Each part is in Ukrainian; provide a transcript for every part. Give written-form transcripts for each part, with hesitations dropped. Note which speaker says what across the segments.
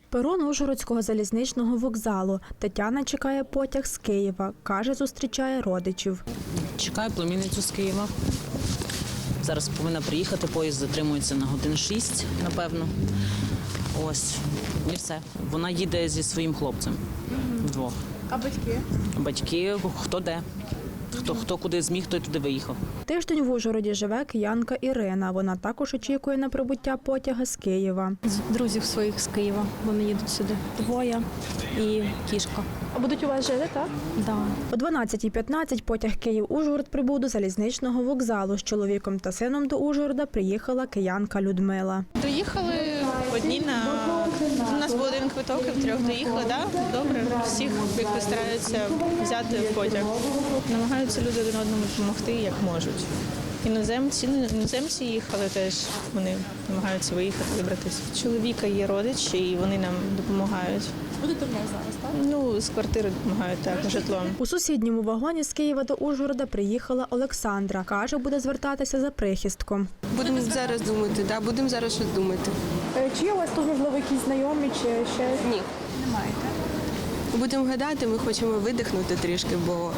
Speaker 1: Перон Ужгородського залізничного вокзалу. Тетяна чекає потяг з Києва. Каже, зустрічає родичів.
Speaker 2: Чекаю племінницю з Києва. Зараз повинна приїхати, поїзд затримується на годин 6, напевно. Ось, і все. Вона їде зі своїм хлопцем вдвох.
Speaker 3: А батьки?
Speaker 2: Батьки, хто де. Хто куди зміг, той туди виїхав.
Speaker 1: Тиждень в Ужгороді живе киянка Ірина. Вона також очікує на прибуття потяга з Києва.
Speaker 4: Друзів своїх з Києва, вони їдуть сюди. Двоє і кішка.
Speaker 3: А будуть у вас жити, так?
Speaker 4: Да.
Speaker 1: О 12:15 потяг Київ-Ужгород прибув до залізничного вокзалу. З чоловіком та сином до Ужгорода приїхала киянка Людмила.
Speaker 5: Доїхали одні у нас був один квиток, і втрьох доїхали, да? Добре. Всіх якось стараються взяти в потяг. Намагаються люди один одному допомогти, як можуть. Іноземці їхали теж, вони намагаються виїхати, вибратися. Чоловіка є родичі, і вони нам допомагають.
Speaker 3: Будете в них зараз, так?
Speaker 5: Ну, з квартири допомагають, так, житлом.
Speaker 1: У сусідньому вагоні з Києва до Ужгорода приїхала Олександра. Каже, буде звертатися за прихистком.
Speaker 6: Будемо зараз думати, да, будемо зараз щось думати.
Speaker 3: Чи є у вас тут, можливо, якісь знайомі, чи ще?
Speaker 6: Ні.
Speaker 3: Немає, так?
Speaker 6: Будемо гадати, ми хочемо видихнути трішки, бо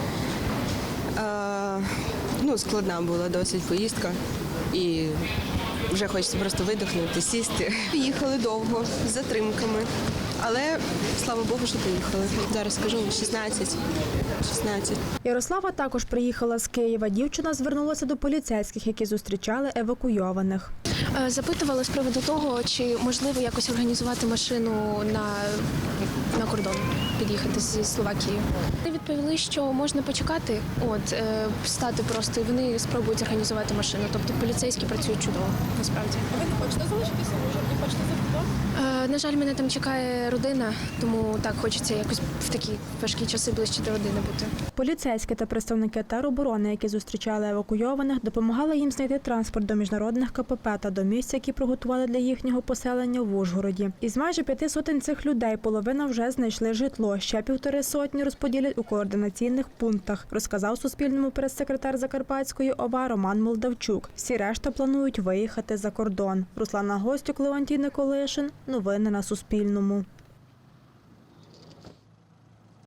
Speaker 6: складна була досить поїздка. І вже хочеться просто видихнути, сісти. Їхали довго, з затримками. Але, слава Богу, що поїхали. Зараз скажу, 16.
Speaker 1: Ярослава також приїхала з Києва. Дівчина звернулася до поліцейських, які зустрічали евакуйованих.
Speaker 7: Запитували з приводу того, чи можливо якось організувати машину на кордон, під'їхати зі Словакії. Вони відповіли, що можна почекати, стати просто, і вони спробують організувати машину. Тобто поліцейські працюють чудово, насправді.
Speaker 3: Ви не хочете залишитися в Ужгороді? Хочете за кордон?
Speaker 7: На жаль, мене там чекає родина, тому так хочеться якось в такі важкі часи ближче до родини бути.
Speaker 1: Поліцейські та представники тероборони, які зустрічали евакуйованих, допомагали їм знайти транспорт до міжнародних КПП та до місць, які приготували для їхнього поселення в Ужгороді. Із майже 5 сотень цих людей половина вже знайшли житло, ще 1,5 сотні розподілять у координаційних пунктах, розказав Суспільному прес-секретар Закарпатської ОВА Роман Молдавчук. Всі решта планують виїхати за кордон. Руслана Гостюк, Леонтій Николишин. Новини на Суспільному.